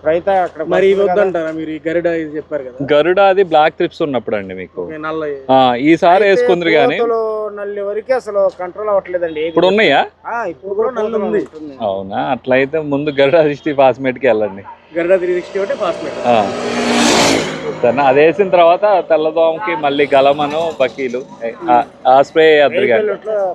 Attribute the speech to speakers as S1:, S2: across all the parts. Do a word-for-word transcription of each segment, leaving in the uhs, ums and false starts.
S1: ఇప్పుడైతే అక్కడ
S2: మరి ఇవి వద్దంటారా మీరు? ఈ గరుడ ఇది చెప్పారు కదా,
S3: గరుడ అది బ్లాక్ ట్రిప్స్ ఉన్నప్పుడు అండి మీకు.
S2: నల్ల
S3: ఆ, ఈసారి వేసుకుందరు కానీ
S1: నల్లి వరకు అసలు కంట్రోల్ అవ్వట్లేదండి.
S3: ఇప్పుడు ఉన్నాయా?
S1: ఇప్పుడు కూడా నల్లి ఉంది.
S3: అవునా? అట్లయితే ముందు గరుడ సిక్స్టీ ఫాస్మేట్కి వెళ్ళండి.
S2: గరుడ త్రీ సిక్స్టీ ఒకటి ఫాస్మేట్.
S3: సరే, అది వేసిన తర్వాత తెల్లదోమకి మళ్ళీ గలమను బకీలు ఆ స్ప్రే వేద్దరు కానీ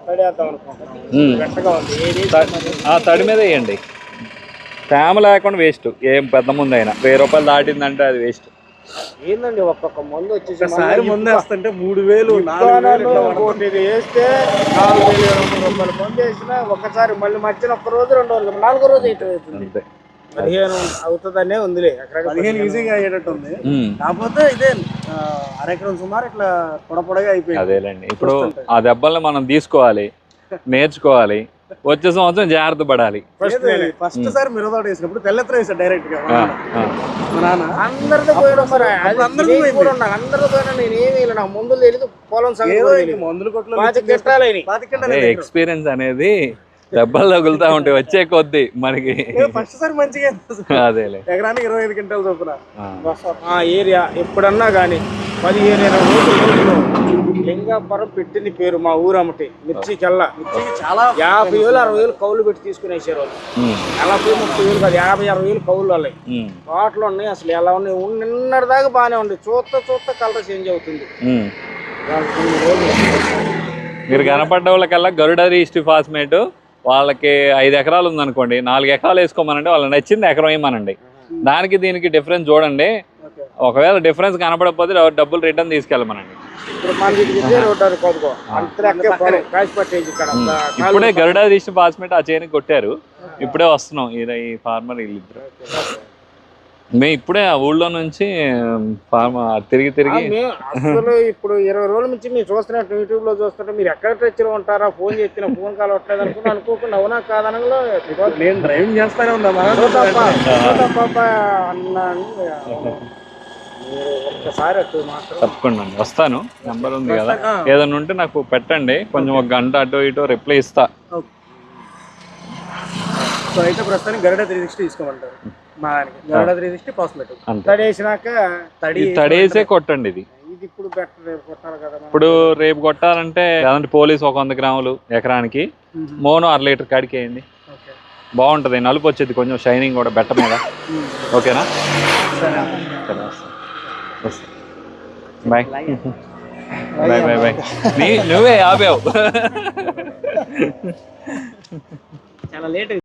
S3: తడి మీద వేయండి. తేమ లేకుండా వేస్ట్. ఏం పెద్ద ముందు అయినా వెయ్యి రూపాయలు దాటిందంటే అది వేస్ట్.
S1: ఏందండి ఒక్కొక్క మందు వచ్చేసి
S2: మందు వేస్తుంటే మూడు వేలు
S1: వేస్తే నాలుగు వేలు ఇరవై మూడు రూపాయలు మందు వేసినా ఒకసారి మళ్ళీ మధ్యన ఒక్క రోజు రెండు రోజులు నాలుగో రోజు అయితే అవుతుంది. పదిహేను అవుతుందనే ఉందిలే,
S2: పదిహేను ఈజీగా అయ్యేటట్టు ఉంది. కాకపోతే ఇదే అరెకరం సుమారు ఇట్లా పొడ పొడగా అయిపోయింది.
S3: అదేలేండి. ఇప్పుడు ఆ దెబ్బల్ని మనం తీసుకోవాలి, నేర్చుకోవాలి, వచ్చే సంవత్సరం జాగ్రత్త పడాలి.
S2: ఫస్ట్ సారి మిరదోట వేసినప్పుడు తెల్లెత్ర వేసాడు డైరెక్ట్ గా.
S1: అందరితో పోయినా మరి అందరితో పోయినా నేను ఏమి నాకు మందులు తెలియదు, పొలం
S2: మందులు కొట్లు
S3: ఎక్స్పీరియన్స్ అనేది దెబ్బలు తగులుతా ఉంటాయి వచ్చే కొద్ది మనకి.
S2: ఫస్ట్ సారి మంచిగా
S3: అదేలే,
S2: ఎకరానికి ఇరవై ఐదు క్వింటాలు చొప్పున.
S1: ఆ ఏరియా ఎప్పుడన్నా కానీ పదిహేను ఇరవై రోజులు లింగాపురం పెట్టింది పేరు మా ఊరు అమ్మటి. మిర్చికెల్లా
S2: చాలా
S1: యాభై వేలు అరవై వేలు కౌలు పెట్టి తీసుకునేసారు వాళ్ళు. నలభై ముప్పై వేలు కాదు, యాభై అరవై వేలు కౌలు వాళ్ళవి. తోటలు ఉన్నాయి అసలు ఎలా ఉన్నాయి, నిన్నటి దాకా బాగానే ఉంది. చూస్తా చూస్తా కలర్ చేంజ్ అవుతుంది.
S3: మీరు కనపడ్డ వాళ్ళకల్లా గరుడ రీస్ట్ ఫాస్మేట్ వాళ్ళకి ఐదు ఎకరాలు ఉందనుకోండి, నాలుగు ఎకరాలు వేసుకోమనండి, వాళ్ళకి నచ్చింది ఎకరం వేయమనండి. దానికి దీనికి డిఫరెన్స్ చూడండి. ఒకవేళ డిఫరెన్స్ కనపడకపోతే డబ్బులు రిటర్న్ తీసుకెళ్ళమనండి. ఇప్పుడే గరుడ రీస్ట్ ఫాస్మేట్ ఆ చేనికి కొట్టారు, ఇప్పుడే వస్తున్నాం ఈ ఫార్మర్ వీళ్ళిద్దరు. మేము ఇప్పుడే ఆ ఊళ్ళో నుంచి ఫార్మ తిరిగి తిరిగి
S1: అసలు ఇప్పుడు ఇరవై రోజుల నుంచి మీరు చూస్తున్నట్టు యూట్యూబ్ లో చూస్తుంటే మీరు ఎక్కడ టచ్లో ఉంటారా, ఫోన్ చేసిన ఫోన్ కాల్ వస్తలేదు అనుకుని అనుకోకుండా అవునా కాదనలో
S2: నేను డ్రైవింగ్ చేస్తానే ఉన్నా
S1: ఒక్కసారి అటు మాత్రం
S3: తప్పకుండా అండి వస్తాను. నెంబర్ ఉంది కదా, ఏదైనా ఉంటే నాకు పెట్టండి, కొంచెం ఒక గంట అటు ఇటు రిప్లై ఇస్తా.
S2: సో అయితే ప్రస్తుతానికి గరుడ త్రీ సిక్స్టీ తీసుకోమంటారు. మా గరుడ త్రీ సిక్స్టీ ఫాస్మేట్
S1: తడేసినాక
S3: తడేసే కొట్టండి. ఇది
S1: ఇప్పుడు బెటర్ కొట్టాలి కదా.
S3: ఇప్పుడు రేపు కొట్టాలంటే లేదంటే పోలీస్ ఒక వంద గ్రాములు ఎకరానికి, మోనో అర లీటర్ కాడికి వేయండి, బాగుంటుంది. నలుపు వచ్చేది కొంచెం, షైనింగ్ కూడా బెట్ట మీద. ఓకేనా? Bye bye bye bye. నీ నువ్వే ఆపావు.
S1: చాలా లేట్.